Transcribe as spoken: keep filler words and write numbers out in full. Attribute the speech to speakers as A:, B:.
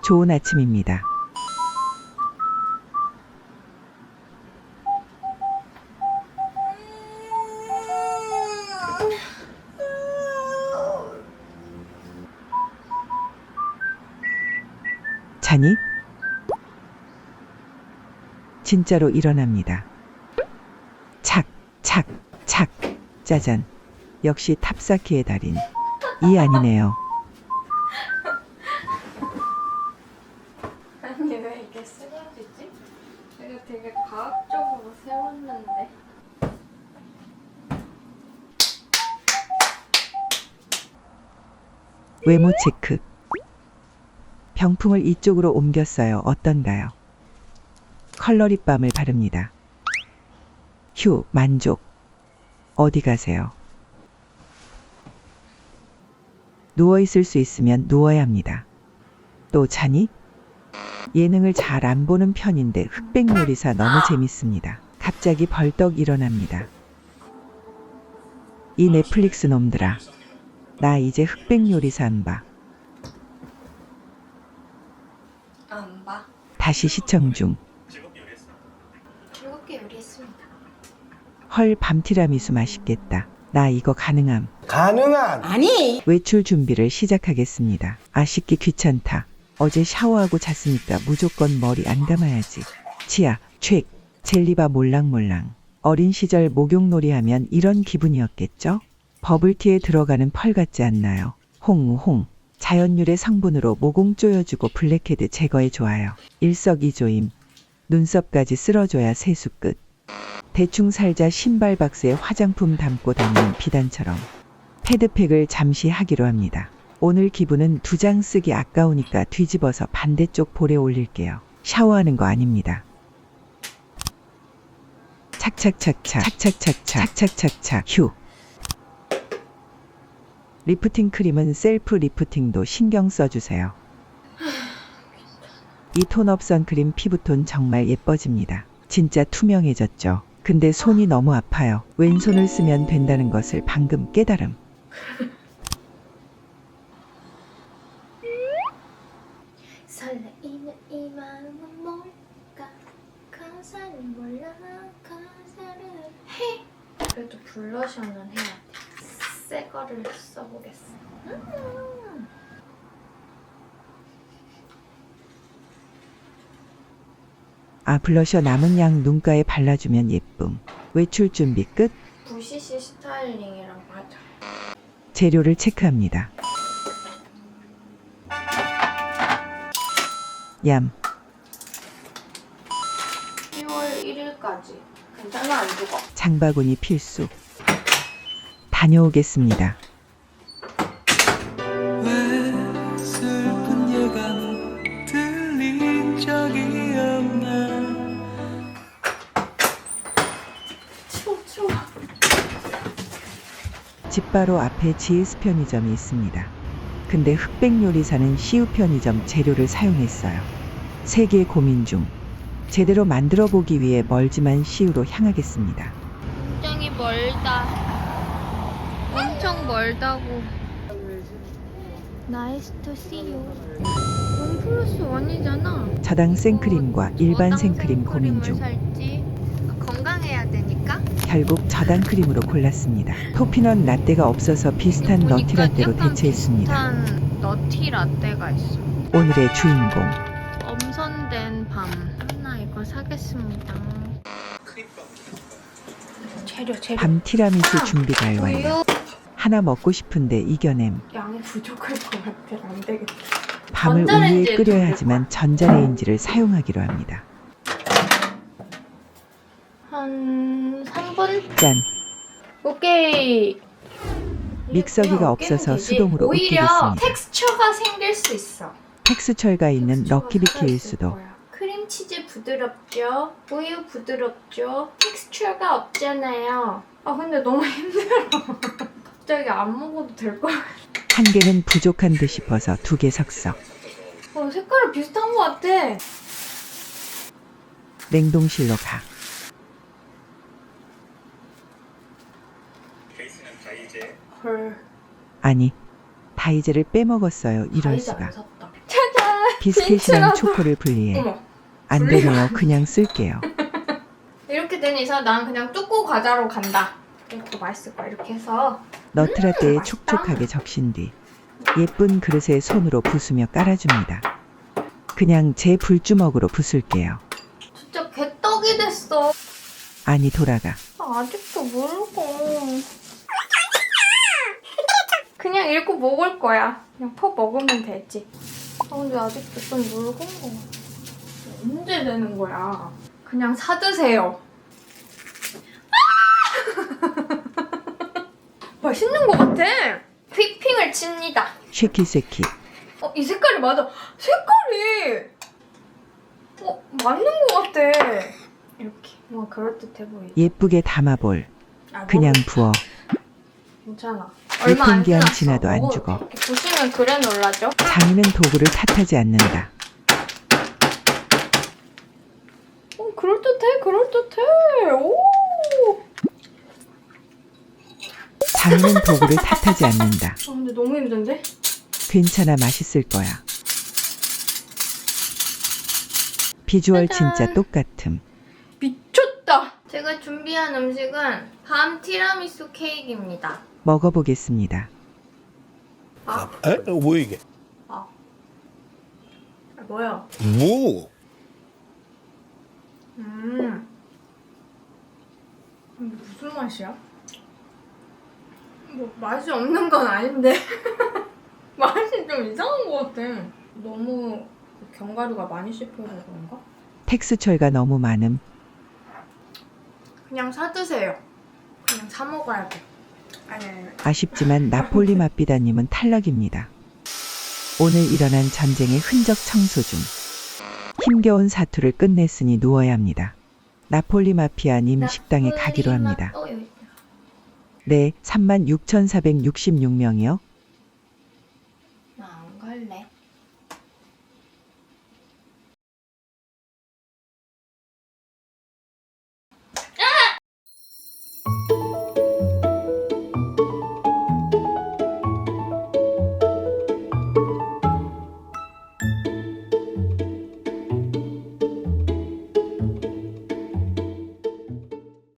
A: 좋은 아침입니다. 자니? 진짜로 일어납니다. 착, 착, 착, 짜잔. 역시 탑사키의 달인. 이 아니네요.
B: 아니 왜 이게 쓰러지지? 내가 되게 과학적으로 세웠는데.
A: 외모 체크. 병풍을 이쪽으로 옮겼어요. 어떤가요? 컬러립밤을 바릅니다. 휴, 만족. 어디 가세요? 누워있을 수 있으면 누워야 합니다. 또 자니? 예능을 잘 안 보는 편인데 흑백요리사 너무 재밌습니다. 갑자기 벌떡 일어납니다. 이 넷플릭스 놈들아. 나 이제 흑백요리사 안 봐.
B: 안 봐.
A: 다시 시청 중.
B: 즐겁게 요리했습니다.
A: 헐, 밤티라미수 맛있겠다. 나 이거 가능함.
C: 가능한
D: 아니
A: 외출 준비를 시작하겠습니다. 아, 씻기 귀찮다. 어제 샤워하고 잤으니까 무조건 머리 안 감아야지. 치아, 촤, 젤리바 몰랑몰랑. 어린 시절 목욕놀이 하면 이런 기분이었겠죠? 버블티에 들어가는 펄 같지 않나요? 홍홍. 자연유래 성분으로 모공 조여주고 블랙헤드 제거에 좋아요. 일석이조임. 눈썹까지 쓸어줘야 세수 끝. 대충 살자 신발 박스에 화장품 담고 다니는 비단처럼. 패드팩을 잠시 하기로 합니다. 오늘 기분은 두 장 쓰기 아까우니까 뒤집어서 반대쪽 볼에 올릴게요. 샤워하는 거 아닙니다. 착착착착 착착착착 착착착착 휴. 리프팅 크림은 셀프 리프팅도 신경 써주세요. 이 톤업 선크림 피부톤 정말 예뻐집니다. 진짜 투명해졌죠. 근데 손이 너무 아파요. 왼손을 쓰면 된다는 것을 방금 깨달음.
B: 설레이는 이 마음은 뭘까? 가사를 몰라 가사를 해. 그래도 블러셔는 해야 돼. 새 거를 써보겠어. 음.
A: 아, 블러셔 남은 양 눈가에 발라주면 예쁨. 외출 준비 끝.
B: 부시시 스타일링이라고 하죠.
A: 재료를 체크합니다. 얌.
B: 이월 일일까지. 괜찮아, 안 죽어.
A: 장바구니 필수. 다녀오겠습니다.
E: 왜 슬픈 예감 들린 적이 없나.
B: 추워, 추워.
A: 집 바로 앞에 지에스 편의점이 있습니다. 근데 흑백요리사는 시우 편의점 재료를 사용했어요. 세계 고민 중. 제대로 만들어 보기 위해 멀지만 시우로 향하겠습니다.
B: 굉장히 멀다. 엄청 멀다고. 나이스 투 씨유. 원 플러스 원이잖아.
A: 저당 생크림과 일반 생크림 고민 중.
B: 살지? 건강해야 되니까.
A: 결국 저당 크림으로 골랐습니다. 토피넛 라떼가 없어서 비슷한 너티 라떼로 대체했습니다.
B: 비슷한 너티 라떼가 있어.
A: 오늘의 주인공.
B: 엄선된 밤. 하나 이거 사겠습니다. 재료 재료.
A: 밤 티라미수 준비가 완료.
B: 우유.
A: 하나 먹고 싶은데 이겨냄.
B: 양이 부족할 것 같아. 안 되겠다.
A: 밤을
B: 전자레인지에
A: 우유에 끓여야
B: 돌릴
A: 하지만 전자레인지를 사용하기로 합니다.
B: 한 삼 분?
A: 짠!
B: 오케이.
A: 믹서기가
B: 그냥
A: 없어서
B: 으깨면 되지.
A: 수동으로
B: 오히려
A: 으깨겠습니다.
B: 텍스처가 생길 수 있어.
A: 텍스처가 있는
B: 텍스처가
A: 럭키비키일
B: 살아있을
A: 수도.
B: 거야. 크림치즈 부드럽죠? 우유 부드럽죠? 텍스처가 없잖아요. 아 근데 너무 힘들어. 갑자기 안 먹어도 될 것 같아.
A: 한 개는 부족한 듯 싶어서 두 개 섞어.
B: 어, 색깔이 비슷한 것 같아.
A: 냉동실로 가.
B: 헐.
A: 아니, 다이제를 빼먹었어요. 이럴
B: 다이제
A: 수가.
B: 안 샀다. 짜잔!
A: 비스켓이랑
B: 빈츠라도-
A: 초코를 분리해.
B: 어머.
A: 안 되네요. 그냥 쓸게요.
B: 이렇게 된 이상 난 그냥 뚜꾸 과자로 간다. 이것도 맛있을 거야. 이렇게 해서
A: 너트라떼에
B: 맛있다.
A: 촉촉하게 적신 뒤 예쁜 그릇에 손으로 부수며 깔아줍니다. 그냥 제 불주먹으로 부술게요.
B: 진짜 개떡이 됐어.
A: 아니 돌아가.
B: 아, 아직도 모르고. 그냥 읽고 먹을 거야. 그냥 퍼 먹으면 되지. 아, 근데 아직도 좀 묽은 거 같아. 언제 되는 거야? 그냥 사드세요. 아! 맛있는 거 같아. 휘핑을 칩니다.
A: 쉐키쉐키.
B: 어, 이 색깔이 맞아. 색깔이 어, 맞는 거 같아. 이렇게 뭔가 그럴듯해 보이지.
A: 예쁘게 담아볼.
B: 아,
A: 그냥
B: 뭐,
A: 부어.
B: 괜찮아. 얼마 안
A: 유통기한
B: 지났어.
A: 지나도 안
B: 먹어도
A: 죽어.
B: 돼. 이렇게 보시면 그래놀라죠?
A: 장인은 도구를 탓하지 않는다.
B: 어, 그럴듯해, 그럴듯해. 오.
A: 장인은 도구를 탓하지 않는다.
B: 아, 근데 너무 힘든데?
A: 괜찮아, 맛있을 거야. 비주얼
B: 짜잔.
A: 진짜 똑같음.
B: 미쳤다. 제가 준비한 음식은 밤 티라미수 케이크입니다.
A: 먹어보겠습니다.
B: 아,
C: 에? 뭐 이게?
B: 아, 아 뭐야?
C: 무.
B: 음. 근데 무슨 맛이야? 뭐 맛이 없는 건 아닌데 맛이 좀 이상한 것 같아. 너무 견과류가 많이 씹혀서 그런가?
A: 텍스처가 너무 많음.
B: 그냥 사 드세요. 그냥 사 먹어야 돼. 아니 아니. 아니.
A: 아쉽지만 나폴리 맛비다님은 탈락입니다. 오늘 일어난 전쟁의 흔적 청소 중. 힘겨운 사투를 끝냈으니 누워야 합니다. 나폴리 마피아님 식당에 가기로 합니다.
B: 어, 여기 있다.
A: 네, 삼만 육천사백육십육 명이요.